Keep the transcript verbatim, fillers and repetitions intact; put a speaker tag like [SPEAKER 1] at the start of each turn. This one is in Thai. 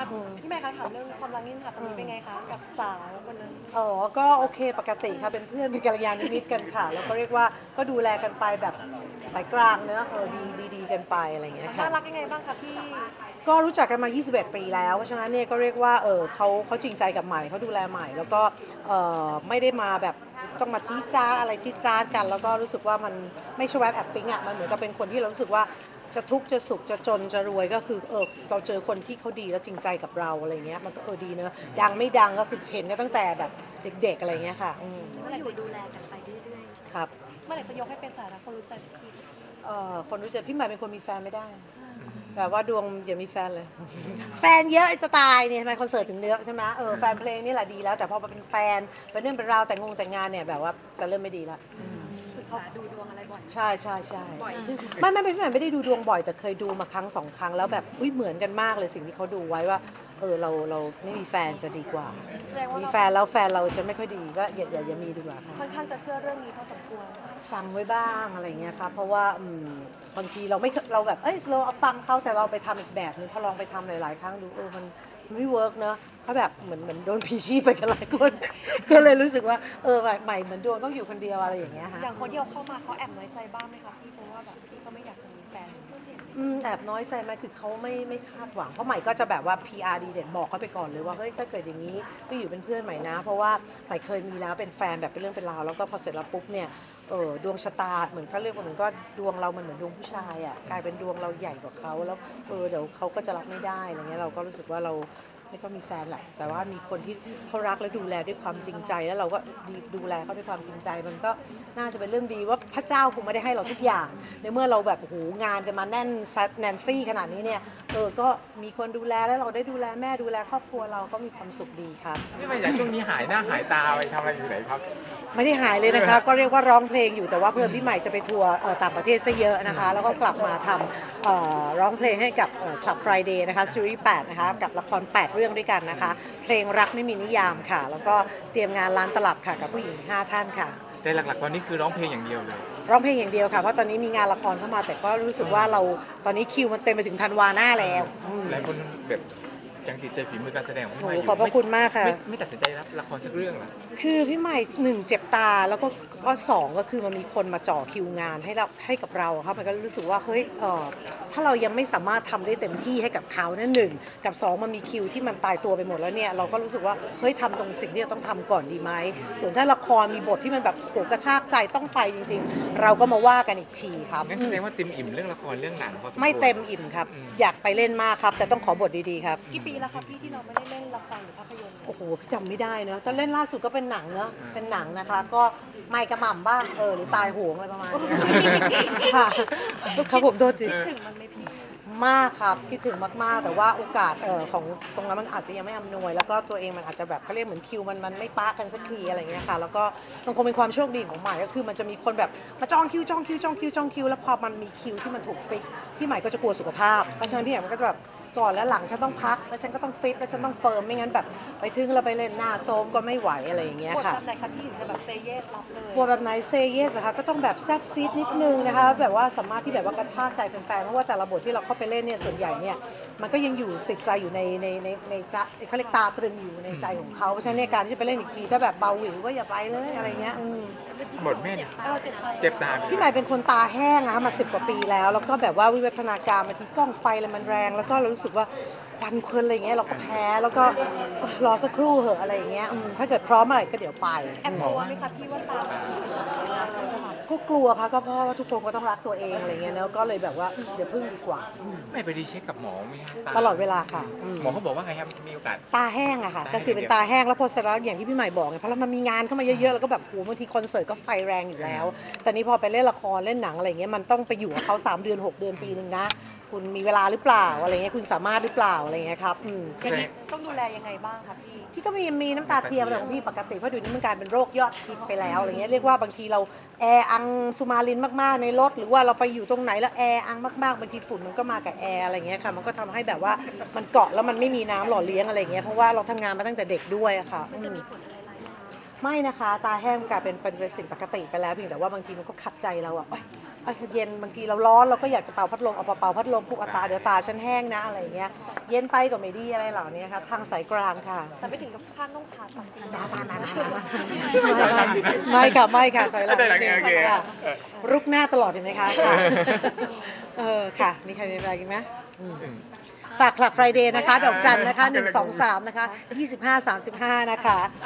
[SPEAKER 1] พี่แม่คะถามเรื่องความรักนิดนึงค่ะตอนนี้เป็นไงคะกับสาวคนนั้น
[SPEAKER 2] อ๋อก็โอเคปกติค่ะเป็นเพื่อนเป็นกัลยาณมิตรกันค่ะแล้วก็เรียกว่าก็ดูแลกันไปแบบสายกลางเนอะเออดีดีดีกันไปอะไรอย่างเงี้ยค่ะ
[SPEAKER 1] น่ารักยังไงบ้างคะพี่
[SPEAKER 2] ก็รู้จักกันมา ยี่สิบเอ็ด ปีแล้วเพราะฉะนั้นเนี่ยก็เรียกว่าเออเขาเขาจริงใจกับใหม่เขาดูแลใหม่แล้วก็เออไม่ได้มาแบบต้องมาจี้จ้าอะไรจี้จ้ากันแล้วก็รู้สึกว่ามันไม่ใช่แวบแอบปิ๊งอ่ะมันเหมือนกับเป็นคนที่เรารู้สึกว่าจะทุกข์จะสุขจะจนจะรวยก็คือเออเราเจอคนที่เขาดีแล้วจริงใจกับเราอะไรเงี้ยมันก็เออดีเนอะดังไม่ดังก็คือเห็นกันตั้งแต่แบบเด็กๆอะไรเงี้ยค่ะอืม
[SPEAKER 1] เมื่อไหร่จะดูแลกันไปเรื่อย
[SPEAKER 2] ครับ
[SPEAKER 1] ๆเมื่อไหร่จะยกให้เป็นสายรักคนรู้ใจสักที
[SPEAKER 2] เอ่อคนรู้จักพี่ใหม่เป็นคนมีแฟนไม่ได้แบบว่าดวงอย่ามีแฟนเลยแฟนเยอะจะตายเนี่ยทำไมคอนเสิร์ตถึงเยอะใช่ไหมเออแฟนเพลงนี่แหละดีแล้วแต่พอมาเป็นแฟนเป็นเรื่องเป็นราวแต่งงแต่งงานเนี่ยแบบว่าจะเริ่มไม่ดีละ
[SPEAKER 1] คือเขาดูดวงอะไรบ่อย
[SPEAKER 2] ใช่ใช่ใช่
[SPEAKER 1] บ่อยใช่ไหม
[SPEAKER 2] ไม่ไม่ไม่พี่ใหม่ไม่ได้ดูดวงบ่อยแต่เคยดูมาครั้งสองครั้งแล้วแบบอุ้ยเหมือนกันมากเลยสิ่งที่เขาดูไว้ว่าเออเราเราไม่มีแฟนจะดีกว่า
[SPEAKER 1] แสดงว่า
[SPEAKER 2] มี
[SPEAKER 1] เรา
[SPEAKER 2] แฟนแล้วแฟนเราจะไม่ค่อยดีก็อย่าอย่าอย่ามีดีกว่าค่ะ
[SPEAKER 1] ค่อนข้างจะเชื่อเรื่องนี้พอสมควร
[SPEAKER 2] ฟังไว้บ้างอะไรเงี้ยครับเพราะว่าอืมบางทีเราไม่เราแบบเอ้ยเราเอาฟังเขาแต่เราไปทำอีกแบบนึงพอลองไปทำหลายๆครั้งดูเออมันมันไม่เวิร์กเนอะเขาแบบเหมือนเหมือนโดนผีชี้ไปกันหลายคนก็เลยรู้สึกว่าเออใหม่ใหม่เหมือนดวงต้องอยู่คนเดียวอะไรอย่างเงี้ยฮะ
[SPEAKER 1] อย่างคนที่เอาเข้ามาเขาแอบน้อยใจบ้างไหมคะพี่เพราะว่าแบบพี่ก็ไม่อยากจะมีแฟน
[SPEAKER 2] อืมแอบน้อยใจไหมคือเขาไม่ไม่คาดหวังเพราะใหม่ก็จะแบบว่า พี อาร์ ดีเด่นบอกเขาไปก่อนเลยว่าเฮ้ยถ้าเกิดอย่างนี้ก็อยู่เป็นเพื่อนใหม่นะเพราะว่าใหม่เคยมีแล้วเป็นแฟนแบบเป็นเรื่องเป็นราวแล้วก็พอเสร็จแล้วปุ๊บเนี่ยเออดวงชะตาเหมือนเขาเรียกว่าเหมือนก็ดวงเรามันเหมือนดวงผู้ชายอ่ะกลายเป็นดวงเราใหญ่กว่าเขาแล้วเออเดี๋ยวเขาก็จะรับไม่ได้อะไรเงี้ยเราก็รู้สึกว่าเราไม่ต้องมีแฟนแหละแต่ว่ามีคนที่เขารักและดูแลด้วยความจริงใจแล้วเราก็ดูแลเขาด้วยความจริงใจมันก็น่าจะเป็นเรื่องดีว่าพระเจ้าคงไม่ได้ให้เราทุกอย่างในเมื่อเราแบบโอ้โหงานกันมาแน่นซัดแนนซี่ขนาดนี้เนี่ยเออก็มีคนดูแลแล้วเราได้ดูแลแม่ดูแลครอบครัวเราก็มีความสุขดีครับ
[SPEAKER 3] นี่มาจากช่วงนี้หายหน้าหายตาไปทำอะไรอยู่ไหนครับ
[SPEAKER 2] ไม่ได้หายเลยนะคะก็เรียกว่าร้องเพลงอยู่แต่ว่าเพื่อนพี่ใหม่จะไปทัวร์ต่างประเทศซะเยอะนะคะแล้วก็กลับมาทำร้องเพลงให้กับ Club Friday นะคะซีรีส์แปดนะคะกับละครแปดเรื่องด้วยกันนะคะเพลงรักไม่มีนิยามค่ะแล้วก็เตรียมงานร้านตลับค่ะกับผู้หญิงห้าท่านค่ะ
[SPEAKER 3] แต่หลักๆตอนนี้คือร้องเพลงอย่างเดียวเลย
[SPEAKER 2] ร้องเพลงอย่างเดียวค่ะเพราะตอนนี้มีงานละครเข้ามาแต่ก็รู้สึกว่าเราตอนนี้คิวมันเต็มไปถึงธันวาหน้าแล้ว
[SPEAKER 3] หลายคนแบบยังติดใจฝีมือการแสดงของพี่ใหม่อยู่
[SPEAKER 2] ขอบพระคุณมากค่ะ
[SPEAKER 3] ไม่ไม่ตัดสินใจรับละครสักเรื่องเหรอ
[SPEAKER 2] คือพี่ใหม่หนึ่งเจ็บตาแล้วก็ก็สองก็คือมันมีคนมาจ่อคิวงานให้เราให้กับเราครับมันก็รู้สึกว่าเฮ้ยเออถ้าเรายังไม่สามารถทำได้เต็มที่ให้กับเขานั่นหนึ่งกับสองมันมีคิวที่มันตายตัวไปหมดแล้วเนี่ยเราก็รู้สึกว่าเฮ้ยทำตรงสิ่งที่เราต้องทำก่อนดีไหมส่วนถ้าละครมีบทที่มันแบบโหกระชากใจต้องไปจริงๆเราก็มาว่ากันอีกทีครับ
[SPEAKER 3] งั้นแสดงว่าเต็มอิ่มเรื่องละครเรื่องหนังพอสมควร
[SPEAKER 2] ไม่เต็มอิ่มครับอยากไปเล่นมากครับแต่ต้องขอบทดีๆครับ
[SPEAKER 1] กี่ปีแล้วคะพี่ที่เราไม่ได้เล่นละครหรือภาพยนตร์เลย
[SPEAKER 2] โอ้โหจำไม่ได้เนอะตอนเล่นล่าสุดก็เป็นหนังเนอะเป็นหนังนะคะก็ไม่กระหม่ำบ้างเออหรือตายโหงอะไรประมาณนี้ค่ะครับผมโทษที
[SPEAKER 1] คิดถึงมันไหมพี่
[SPEAKER 2] มากครับคิดถึงมากๆแต่ว่าโอกาสเออของตรงนั้นมันอาจจะยังไม่อำนวยแล้วก็ตัวเองมันอาจจะแบบเขาเรียกเหมือนคิวมันมันไม่ปะกันสักทีอะไรเงี้ยค่ะแล้วก็มันคงเป็นความโชคดีของใหม่ก็คือมันจะมีคนแบบมาจองคิวจองคิวจองคิวจองคิวแล้วพอมันมีคิวที่มันถูกฟิกพี่ใหม่ก็จะกลัวสุขภาพเพราะฉะนั้นพี่ใหม่มันก็จะแบบก่อนและหลังฉันต้องพักแล้วฉันก็ต้องฟิตแล้วฉันต้องเฟิร์มไม่งั้นแบบไปถึงเราไปเล่นหน้าโซมก็ไม่ไหวอะไรอย่างเงี้ย
[SPEAKER 1] บท
[SPEAKER 2] ค่ะ
[SPEAKER 1] แบบไหนคะที่ถึงจะแบบเซเยสรับเลย
[SPEAKER 2] กลัวแบบไหนเซเยสนะคะก็ต้องแบบแซบซีดนิดนึงนะคะแบบว่าสามารถที่แบบว่ากระชากใจแฟนๆเพราะว่าแต่ละบทที่เราเข้าไปเล่นเนี่ยส่วนใหญ่เนี่ยมันก็ยังอยู่ติดใจอยู่ในในในในจะเขาเรียกตาตรึงอยู่ในใจของเขาเพราะฉะนั้นเนี่ยการที่จะไปเล่นอีกทีถ้าแบบเบาหวิวก็อย่าไปเลยอะไรเงี้ยอืม
[SPEAKER 3] หมดแม่น
[SPEAKER 1] เออเจ็บไป
[SPEAKER 3] เจ็บตาไป
[SPEAKER 2] พี่ใหม่เป็นคนตาแห้งนะคะมาสิบกว่าปีแล้วแล้วก็แบบว่าวิวัฒนาการบางทีกล้องไฟอะไรมันแรงแล้วก็เรารู้สึกว่าควันเพลินอะไรเงี้ยเราก็แพ้แล้วก็รอสักครู่เหอะอะไรอย่างเงี้ยถ้าเกิดพร้อมเมื่อไหร่ก็เดี๋ยวไป
[SPEAKER 1] แอบกลัวไหมคะพี่ว่าตา
[SPEAKER 2] ก็กลัวค่ะก็เพราะว่าทุกคนก็ต้องรักตัวเองอะไรเงี้ยเนอะก็เลยแบบว่าเดี๋ยวพึ่งดีกว่า
[SPEAKER 3] ไม่ไปรีเช็คกับหมอไหมครับตา
[SPEAKER 2] ตลอดเวลาค่ะ
[SPEAKER 3] หมอเขาบอกว่าไงครับมีโอกาส
[SPEAKER 2] ตาแห้งอะค่ะ
[SPEAKER 3] ตาแห้ง
[SPEAKER 2] ก็คือเป็นตาแห้งแล้วพอเสร็จแล้วอย่างที่พี่ใหม่บอกไงเพราะมันมีงานเข้ามาเยอะๆแล้วก็แบบโหบางทีคอนเสิร์ตก็ไฟแรงอยู่แล้วแต่นี้พอไปเล่นละครเล่นหนังอะไรเงี้ยมันต้องไปอยู่กับเขาสามเดือนหกเดือนปีหนึ่งนะคุณมีเวลาหรือเปล่าอะไรเงี้ยคุณสามารถหรือเปล่าอะไรเงี้ยครับ
[SPEAKER 1] อย่างนี้ต้องดูแลยังไงบ้างคะพี่
[SPEAKER 2] พี่ก็มีมีน้ำตาเทียมแต่ของพี่ปกติเพราะเดี๋ยวนี้มันกลายเป็นโรคยอดฮิตไปแล้วอะไรเงี้ยเรียกว่าบางทีเราแออังสุมาลินมากๆในรถหรือว่าเราไปอยู่ตรงไหนแล้วแออังมากๆบางทีฝุ่นมันก็มากับแอร์อะไรเงี้ยค่ะมันก็ทำให้แบบว่ามันเกาะแล้วมันไม่มีน้ำหล่อเลี้ยงอะไรเงี้ยเพราะว่าเราทำงานมาตั้งแต่เด็กด้วยอะค่ะ
[SPEAKER 1] มันจะมีผลอะไรร้ายแรง
[SPEAKER 2] ไม่นะคะตาแห้งกลายเป็นเป็นสิ่งปกติไปแล้วเพียงแต่ว่าบางทีมันก็ขัดใจเราอะทอ่ะเย็นบางทีเราร้อนเราก็อยากจะเป่าพัดลมเอาเป่าพัดลมปุ๊บเอาตาเดี๋ยวตาฉันแห้งนะอะไรอย่างเงี้ยเย็นไปก็ไม่ดีอะไรเหล่านี้ครับทางสายกลางค่ะ
[SPEAKER 1] แต่ไม่ถึงกับขั้นต้องผ่าตัด
[SPEAKER 2] ไม่ค่ะไม่ค่ะถอยหลัง
[SPEAKER 3] ถอยหลังโอเค
[SPEAKER 2] ค่ะ
[SPEAKER 3] เออ
[SPEAKER 2] รุกหน้าตลอดเห็นไหมคะค่ะเออค่ะมีใครมีอะไรกินไหมอืม
[SPEAKER 3] อืม
[SPEAKER 2] ฝากคลับไฟเดย์นะคะ ดอกจันนะคะหนึ่งสองสามนะคะยี่สิบห้าสามสิบห้านะคะ